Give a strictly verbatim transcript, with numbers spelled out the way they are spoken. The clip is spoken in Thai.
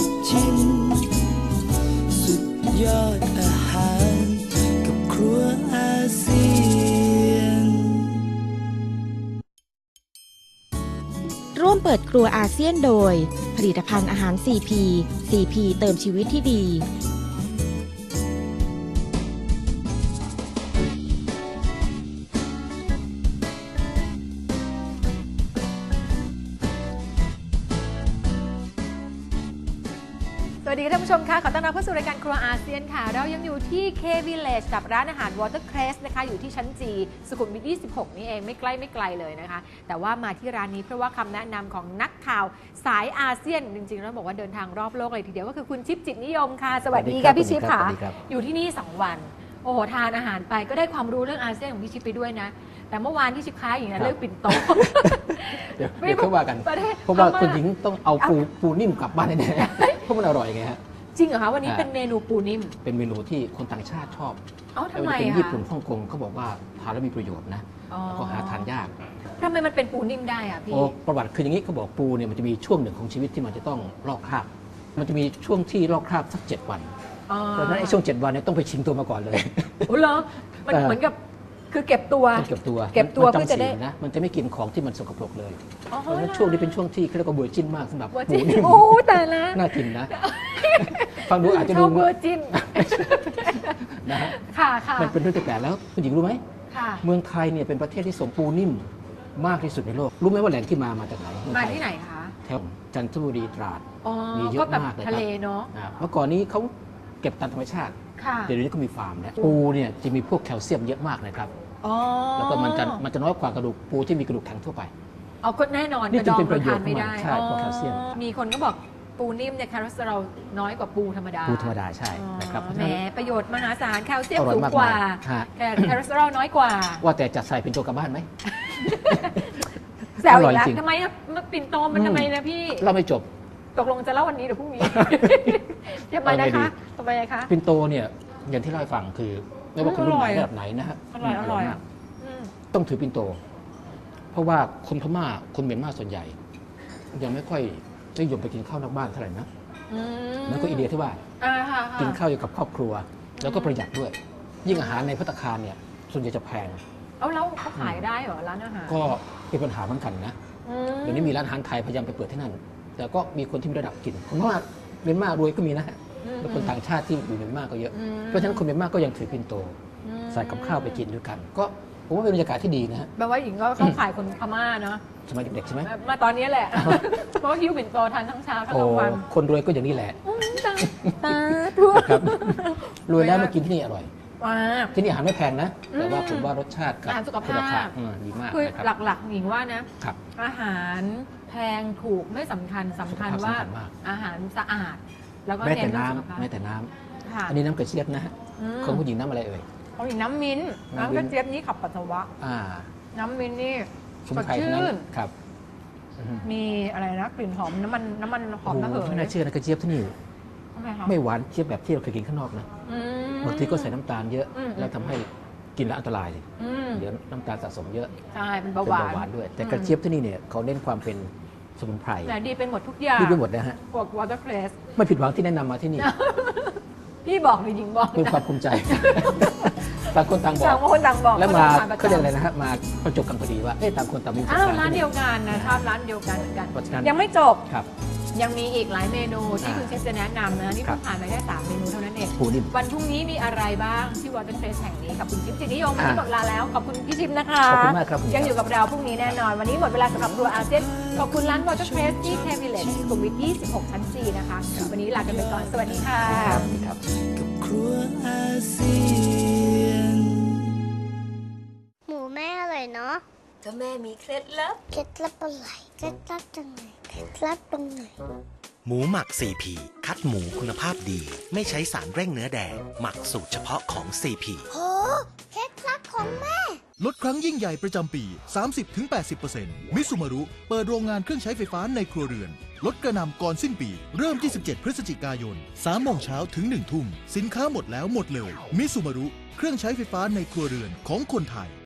ชิมสุดยอดอาหารกับครัวอาเซียนร่วมเปิดครัวอาเซียนโดยผลิตภัณฑ์อาหาร ซี พี ซี พี เติมชีวิตที่ดีสวัสดีท่านผู้ชมค่ะขอต้อนรับเข้าสู่รายการครัวอาเซียนค่ะเรายังอยู่ที่ K Village กับร้านอาหาร Watercress นะคะอยู่ที่ชั้นจีสุขุมวิทยี่สิบหกนี่เองไม่ใกล้ไม่ไกลเลยนะคะแต่ว่ามาที่ร้านนี้เพราะว่าคำแนะนำของนักข่าวสายอาเซียนจริงๆแล้วบอกว่าเดินทางรอบโลกเลยทีเดียวก็คือคุณชิปจิตนิยมค่ะสวัสดีค่ะพี่ชิปค่ะอยู่ที่นี่สองวันโอ้โหทานอาหารไปก็ได้ความรู้เรื่องอาเซียนของพี่ชิปไปด้วยนะแต่เมื่อวานที่ชิปค้าอย่างนั้นเลิกปิ่นโตเดี๋ยวเดี๋ยวเขาว่ากันเพราะว่าคุณหญิงต้องเอาปูปูนิ่มกลับบ้านแน่ๆเพราะมันอร่อยไงฮะจริงเหรอคะวันนี้เป็นเมนูปูนิ่มเป็นเมนูที่คนต่างชาติชอบเอ้าทำไมเป็นอะญี่ปุ่นฮ่องกงเขาบอกว่าทานแล้วมีประโยชน์นะแล้วก็หาทานยากทำไมมันเป็นปูนิ่มได้อะพี่โอ้ประวัติคืออย่างนี้เขาบอกปูเนี่ยมันจะมีช่วงหนึ่งของชีวิตที่มันจะต้องลอกคราบมันจะมีช่วงที่ลอกคราบสักเจ็ดวันเพราะฉะนั้นไอ้ช่วงเจ็ดวันเนี่ยต้องไปชิงตัวมาก่อนเลยโอ้เหรอมันเหมือนกับคือเก็บตัวเก็บตัวเก็บตัวเพื่อจะได้นะมันจะไม่กินของที่มันสกปรกเลยเพราะฉะนั้นช่วงนี้เป็นช่วงที่เขาเรียกว่าเวอร์จินมากสำหรับปูนิ่มโอ้แต่ละน่ากินนะฟังดูอาจจะดูเวอร์จินนะฮะค่ะค่ะมันเป็นเรื่องแปลกแล้วคุณหญิงรู้ไหมค่ะเมืองไทยเนี่ยเป็นประเทศที่ส่งปูนิ่มมากที่สุดในโลกรู้ไหมว่าแหล่งที่มามาจากไหนมาที่ไหนคะแถวจันทบุรีตราดมีเยอะมากเลยครับทะเลเนาะเมื่อก่อนนี้เขาเก็บตามธรรมชาติเดี๋ยวนี้ก็มีฟาร์มแล้วปูเนี่ยจะมีพวกแคลเซียมเยอะมากนะครับแล้วก็มันจะมันจะน้อยกว่ากระดูกปูที่มีกระดูกแข็งทั่วไปเอาก็แน่นอนนี่จึงเป็นประโยชน์ไม่ได้ใช่เพราะแคลเซียมมีคนก็บอกปูนิ่มเนี่ยคอเลสเตอรอลน้อยกว่าปูธรรมดาปูธรรมดาใช่นะครับแหมประโยชน์มหาศาลแคลเซียมสูงกว่าแต่คอเลสเตอรอลน้อยกว่าว่าแต่จะใส่เป็นตัวกลับบ้านไหมแซวอีกแล้วทำไมมันปิ่นโตมันทำไมนะพี่เราไม่จบตกลงจะเล่าวันนี้หรือพรุ่งนี้ทำไมนะคะทำไมคะปิ่นโตเนี่ยอย่างที่เล่าให้ฟังคือไม่ว่าคุณรุ่นไหนระดับไหนนะฮะอร่อยอร่อยต้องถือปิ่นโตเพราะว่าคนพม่าคนเมียนมาส่วนใหญ่ยังไม่ค่อยนิยมไปกินข้าวนอกบ้านเท่าไหร่นะนั่นก็อีเดียที่ว่ากินข้าวอยู่กับครอบครัวแล้วก็ประหยัดด้วยยิ่งอาหารในภัตตาคารเนี่ยส่วนใหญ่จะแพงเอาแล้วเขาขายได้เหรอร้านอาหารก็เป็นปัญหาเหมือนกันนะเดี๋ยวนี้มีร้านอาหารไทยพยายามไปเปิดที่นั่นแต่ก็มีคนที่มีระดับกินคนว่าเมียนมารวยก็มีนะแล้วคนต่างชาติที่อยู่เมียนมาก็เยอะเพราะฉะนั้นคนเมียนมาก็ยังถือปิ่นโตใส่กับข้าวไปกินด้วยกันก็ผมว่าเป็นบรรยากาศที่ดีนะฮะแปลว่าหญิงก็เข้าขายคนพม่าเนาะสมัยเด็กๆใช่ไหมมาตอนนี้แหละเพราะว่าคิวปิ่นโตทานทั้งเช้าทั้งกลางวันคนรวยก็อย่างนี้แหละตาตาทุกรวยแล้วมากินที่นี่อร่อยว้าที่นี่อาหารไม่แพงนะแต่ว่าผมว่ารสชาติกับอาหารสุขภาพดีมากคือหลักๆหญิงว่านะอาหารแพงถูกไม่สำคัญสำคัญว่าอาหารสะอาดแล้วก็แม้แต่น้ำแม้แต่น้ำอันนี้น้ำกระเจี๊ยบนะฮะของผู้หญิงน้ำอะไรเอ่ยของหญิงน้ำมิ้นน้ำกระเจี๊ยบนี่ขับปัสสาวะน้ำมิ้นนี่สดชื่นครับมีอะไรนะกลิ่นหอมน้ำมันน้ำมันหอมระเหยไม่น่าเชื่อนะกระเจี๊ยบที่นี่ไม่หวานเจี๊ยบแบบที่เราเคยกินข้างนอกนะบางทีก็ใส่น้ำตาลเยอะแล้วทำให้กินแล้วอันตรายเดี๋ยวน้ำตาลสะสมเยอะใช่เป็นเบาหวานด้วยแต่กระเจี๊ยบที่นี่เนี่ยเขาเน้นความเป็นสมุนไพรแต่ดีเป็นหมดทุกอย่างดีเป็นหมดนะฮะพวก Watercress ไม่ผิดหวังที่แนะนำมาที่นี่พี่บอกหรือหญิงบอกเป็นความภูมิใจต่างคนต่างบอกต่างคนต่างบอกแล้วมาเขาเรียกอะไรนะฮะมาประจบกันพอดีว่าเอ๊ะต่างคนต่างมีประสบการณ์ร้านเดียวกันนะชอบร้านเดียวกันเหมือนกันยังไม่จบยังมีอีกหลายเมนูที่คุณเชฟจะแนะนำนะนี่เพิ่งผ่านไปแค่สามเมนูเท่านั้นเองวันพรุ่งนี้มีอะไรบ้างที่ Watercress แห่งนี้กับคุณชิปจิตนิยมวันนี้หมดเวลาแล้วขอบคุณพี่ชิปนะคะขอบคุณมากครับยังอยู่กับเราพรุ่งนี้แน่นอนวันนี้หมดเวลาสำหรับครัวอาเซียนขอบคุณร้าน Watercress ที่ K Village สุขุมวิทยี่สิบหกชั้นจีนะคะวันนี้ลากันไปก่อนสวัสดีค่ะครับกับครัวอาเซียนหมูแม่อร่อยเนาะก็แม่มีเคล็ดลับเคล็ดลับอะไรเคล็ดลับจังไหนเคล็ดลับตรงไหนหมูหมัก ซี พี คัดหมูคุณภาพดีไม่ใช้สารเร่งเนื้อแดงหมักสูตรเฉพาะของ ซี พีโหเคล็ดลับของแม่ลดครั้งยิ่งใหญ่ประจำปี สามสิบถึงแปดสิบเปอร์เซ็นต์ มิซูมารุเปิดโรงงานเครื่องใช้ไฟฟ้าในครัวเรือนลดกระหน่ำก่อนสิ้นปีเริ่มยี่สิบเจ็ดพฤศจิกายน สามโมงเช้าถึงหนึ่งทุ่มสินค้าหมดแล้วหมดเลยมิซูมารุเครื่องใช้ไฟฟ้าในครัวเรือนของคนไทย